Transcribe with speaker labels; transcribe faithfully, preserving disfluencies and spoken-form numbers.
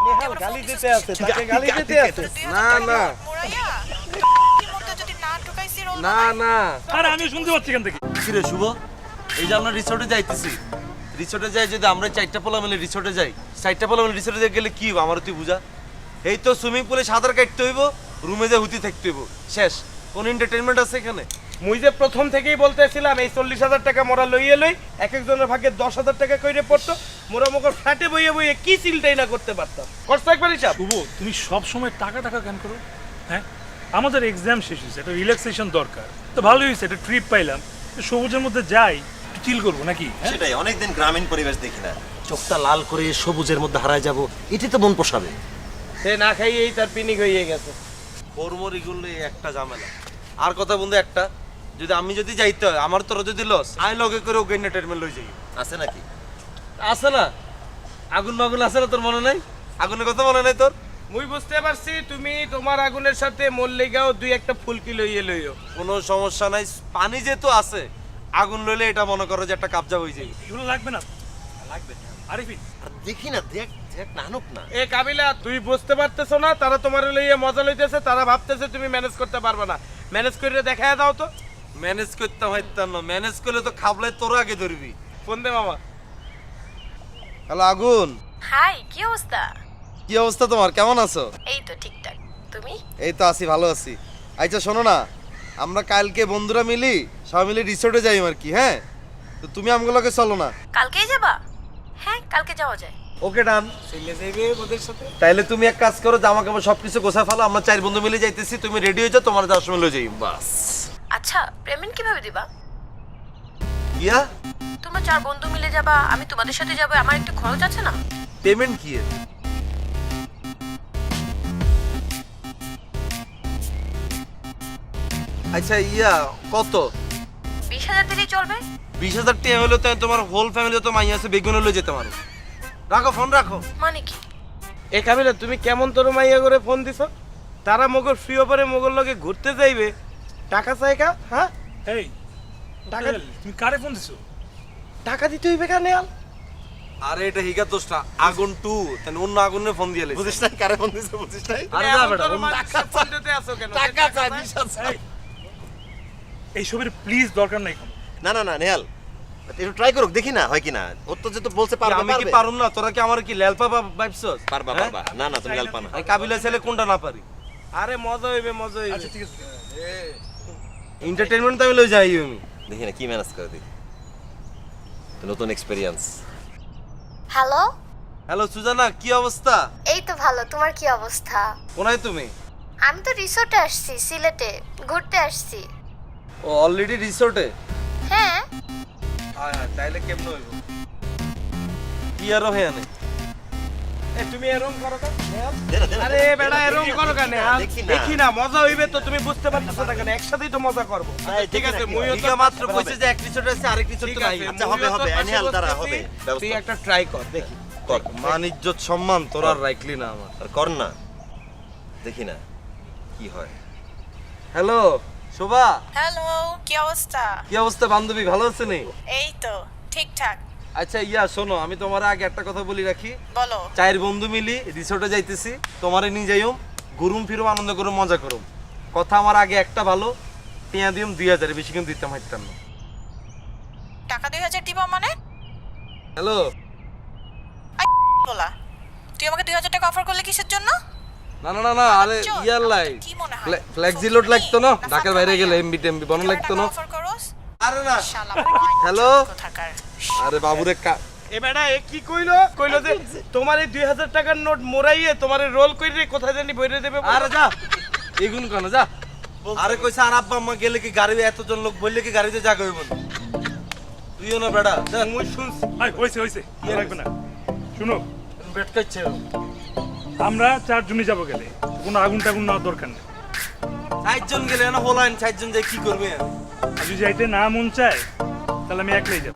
Speaker 1: নেহাল গালি দিতে আছে, তাকে গালি দিতে আছে। না না না না,
Speaker 2: আরে আমি শুনতে পাচ্ছি এখান থেকে।
Speaker 3: কি রে শুভ, এই যে আমরা রিসোর্টে যাইতেছি, রিসোর্টে যাই যদি আমরা চারটা পোলা মিলে রিসোর্টে যাই, চারটা পোলা মিলে রিসোর্টে গেলে কি হবে আমার তুই বুঝা? এই তো সুইমিং পুলে সাঁতার কাটতে হইব, রুমে যে হুতি থাকতে হইব, শেষ। কোন এন্টারটেইনমেন্ট আছে এখানে?
Speaker 1: মুই যে প্রথম থেকেই বলতেছিলাম এই চল্লিশ হাজার টাকা মোরা লইয়ে লই, এক একজনের ভাগে দশ হাজার টাকা কইরে পড়তো, মোরা মোকর ফ্ল্যাটে বইয়ে বইয়ে কি চিলটাই না করতে পারতাম। করছো একবার হিসাব?
Speaker 2: শুভ, তুমি সব সময় টাকা টাকা কেন করো? হ্যাঁ, আমাদের এক্সাম শেষ হয়েছে, একটা রিল্যাক্সেশন দরকার। তো ভালোই হয়েছে, একটা ট্রিপ পাইলাম, সবুজের মধ্যে যাই, একটু চিল করবো নাকি?
Speaker 4: সেটাই, অনেকদিন গ্রামীণ পরিবেশ দেখি না, চোখটা লাল করে সবুজের মধ্যে হারায় যাব, এটি তো মন পোষাবে।
Speaker 1: সে না খাইয়েই তার পিনিক হয়ে গেছে।
Speaker 3: কর্মরি গুলো একটা ঝামেলা। আর কথা বন্ধু একটা, যদি আমি যদি যাইতে হয় আমার তোর যদি লস, আমি লগে করে ওকে এন্টারটেইনমেন্ট লই যাই।
Speaker 4: আছে নাকি?
Speaker 3: আছে না? আগুন মাগুন আছে না তোর মনে নাই? আগুনের কথা মনে নাই তোর?
Speaker 1: মুই বুঝতে পারছি তুমি তোমার আগুনের সাথে মল্লিকাও দুই একটা ফুলকি লইয়ে লইও।
Speaker 3: কোনো সমস্যা নাই, পানি যেহেতু আছে, আগুন লইলে এটা মনে করো যে একটা কাবজা হয়ে যাবে।
Speaker 2: এগুলো লাগবে না?
Speaker 4: লাগবে।
Speaker 2: আরিফিন,
Speaker 4: আর দেখি না, দেখ দেখ নানুক না।
Speaker 1: এ কাবিলা, তুই বুঝতে পারতেছো না তারা তোমার লইয়ে মজা লইতেছে, তারা ভাবতেছে তুমি ম্যানেজ করতে পারবে না। ম্যানেজ করে দেখায় দাও তো।
Speaker 3: ম্যানেজ করতে হইতাম না, ম্যানেজ করলে তো খাবলাই তোর আগে ধরবি।
Speaker 1: ফোন দে মামা।
Speaker 3: হ্যালো আগুন,
Speaker 5: হাই, কি অবস্থা?
Speaker 3: কি অবস্থা তোমার, কেমন আছো?
Speaker 5: এই তো ঠিকঠাক। তুমি?
Speaker 3: এই তো আছি, ভালো আছি। আচ্ছা শোনো না, আমরা কালকে বন্ধুরা মিলি সবাই মিলে রিসোর্টে যাই আর কি। হ্যাঁ, তো তুমি আমগুলোকে চলো না?
Speaker 5: কালকেই যাবা? হ্যাঁ, কালকে যাওয়া যায়।
Speaker 3: ওকে ডান।
Speaker 1: চলে যাইবে ওদের সাথে।
Speaker 3: তাইলে তুমি এক কাজ করো, জামা কাপড় সবকিছু গোছায় ফেলো, আমরা চার বন্ধু মিলে যাইতেছি, তুমি রেডি হয়ে যাও, তোমার যাওয়ার সময় লয়ে যাই। বাস।
Speaker 5: আচ্ছা, পেমেন্ট কিভাবে দিবা?
Speaker 3: ইয়া,
Speaker 5: তোমরা চার বন্ধু মিলে যাবা, আমি তোমাদের সাথে যাবো, আমার একটু খরচ আছে না?
Speaker 3: পেমেন্ট কি এর? আচ্ছা ইয়া কত?
Speaker 5: বিশ হাজার দিলেই চলবে।
Speaker 3: বিশ হাজার টাকা হলে তো তোমার হোল ফ্যামিলি তো মাই আছে, বেগুন লয়ে যেতে পারো। রাখো ফোন রাখো।
Speaker 5: মানে কি?
Speaker 1: এ কাবিলা, তুমি কেমন তোর মাইয়া করে ফোন দিছো? তারা মগর ফ্রি ওভারে মগর লগে ঘুরতে যাইবে, টাকা চাই কা? হ্যাঁ,
Speaker 2: এই
Speaker 1: টাকা
Speaker 2: তুমি কারে ফোন দিছো?
Speaker 1: টাকা দিতে হইবে কেন? আল
Speaker 3: আরে এটা হিগা দোষটা, আগুন টু তাই অন্য আগুনে ফোন দিয়ে লেছে।
Speaker 4: বুঝিস না কারে ফোন দিছে, বুঝিস না?
Speaker 3: আরে না বেটা, অন্য-
Speaker 1: ফোন দিতে আসো কেন?
Speaker 4: টাকা চাই, বিশ হাজার।
Speaker 2: এই, এইসবের প্লিজ দরকার নাই কোনো।
Speaker 4: না না না নেহাল, একটু ট্রাই করুক, দেখি না হয় কিনা। ওর তো যেহেতু বলছে পারবে,
Speaker 3: আমি কি
Speaker 4: পারবে।
Speaker 3: পারুম না? তোরা কি আমার কি লেলপা ভাবছস?
Speaker 4: পারবা
Speaker 3: হ্যাঁ?
Speaker 4: পারবা। না না তুমি হেল্প না।
Speaker 3: আমি কাবিলা ছেলে কোনটা না পারি?
Speaker 1: আরে মজা হইবে, মজা হইবে।
Speaker 2: আচ্ছা ঠিক আছে।
Speaker 3: এন্টারটেইনমেন্ট তো আমি লই যাই আমি।
Speaker 4: দেখি না কি ম্যানেজ করে দেখি। তো নতুন এক্সপেরিয়েন্স।
Speaker 5: হ্যালো,
Speaker 3: হ্যালো সুজানা, কি অবস্থা?
Speaker 5: এই তো ভালো। তোমার কি অবস্থা?
Speaker 3: কোনায় তুমি?
Speaker 5: আমি তো রিসোর্টে আসছি, সিলেটে ঘুরতে আসছি।
Speaker 3: ও অলরেডি রিসোর্টে?
Speaker 5: হ্যাঁ।
Speaker 3: হ্যাঁ হ্যাঁ, তাইলে কেমন হইব? কি আর হয়ে আনে?
Speaker 1: এ তুমি এরকম করো কেন?
Speaker 4: দে না, দে না,
Speaker 1: আরে
Speaker 4: দে না,
Speaker 1: বেটা, এরকম করো কেন? আল
Speaker 4: দেখি না।
Speaker 1: দেখি না, মজা হইবে তো তুমি বুঝতে পারতেছো না কেন? একসাথেই তো মজা করব।
Speaker 4: এই,
Speaker 1: ঠিক
Speaker 4: দেখি
Speaker 1: আছে,
Speaker 4: না কি
Speaker 1: মুইও
Speaker 4: হয়।
Speaker 1: তো
Speaker 3: হিগা মাত্র কইছে যে এক রিসোর্ট আছে, আরেক রিসোর্ট
Speaker 1: ঠিক
Speaker 3: তো নাই।
Speaker 1: আছে,
Speaker 4: আচ্ছা, হবে,
Speaker 1: মুইও তো
Speaker 4: হবে,
Speaker 1: পাশে
Speaker 4: আনিয়াল দ্বারা
Speaker 1: বসতেছি,
Speaker 4: হবে, ব্যবস্থা
Speaker 1: তুই
Speaker 4: হবে।
Speaker 1: একটা ট্রাই কর, দেখি।
Speaker 4: কর।
Speaker 3: মান ইজ্জত সম্মান তোর আর রাখলি না আমার।
Speaker 4: আর কর না, দেখি না কি হয়।
Speaker 3: হ্যালো শোভা,
Speaker 6: হ্যালো, কি অবস্থা?
Speaker 3: কি অবস্থা বান্ধবী, ভালো আছেন?
Speaker 6: এই তো ঠিকঠাক।
Speaker 3: আচ্ছা ইয়া শোনো, আমি তোমার আগে একটা কথা বলি রাখি।
Speaker 6: বলো।
Speaker 3: চার বন্ধু মিলি রিসোর্টে যাইতেছি, তোমারে নিয়ে যাইম, ঘুরুম ফিরুম, আনন্দ করুম, মজা করুম। কথা আমার আগে একটা ভালো, টিয়া দিম দুই হাজার, বেশি কিন্তু দিতাম হাইতাম না।
Speaker 6: টাকা দুই হাজার দিব মানে?
Speaker 3: হ্যালো,
Speaker 6: বলা, তুই আমাকে দুই হাজার টাকা অফার করলে কিসের জন্য?
Speaker 3: না না না না, আরে
Speaker 6: চল,
Speaker 3: ইয়ার
Speaker 6: আমার
Speaker 3: লাই
Speaker 6: তো কি মনে হয়?
Speaker 3: ফ্লেক্সি লোড লাগতো না,
Speaker 6: না
Speaker 3: ঢাকার বাইরে গেলে এমবি টেমবি বন
Speaker 6: তুই আমাকে
Speaker 3: লাগতো
Speaker 6: টাকা
Speaker 3: না।
Speaker 6: অফার করস?
Speaker 3: আরে না,
Speaker 6: শালা
Speaker 3: হ্যালো,
Speaker 6: কোথাকার।
Speaker 3: আরে বাবুরে কা
Speaker 1: এ বেটা, এ কি কইলো? কইলো যে তোমার এই দুই হাজার টাকার নোট মোরাইয়ে তোমার রোল কইরে কোথায় জানি বইরে দেবে।
Speaker 3: আরে যা, এগুন কেন যা। আরে কইছে আর আব্বা আম্মা গেলে কি গাড়ি, এতজন লোক বললে কি গাড়িতে জায়গা হইব না? তুইও না বেটা, যা।
Speaker 1: মুই শুনছি।
Speaker 2: আই হইছে হইছে, কি লাগবে না। শুনো,
Speaker 3: বেট কাচ্ছে
Speaker 2: আমরা চারজনই যাবো, গেলে কোনো আগুন টাগুন নেওয়ার দরকার নেই।
Speaker 3: চারজন গেলে না হলাইন, চারজন যাই কি করবে?
Speaker 2: আর যদি যাইতে না মন চায় তাহলে আমি একলাই যাবো।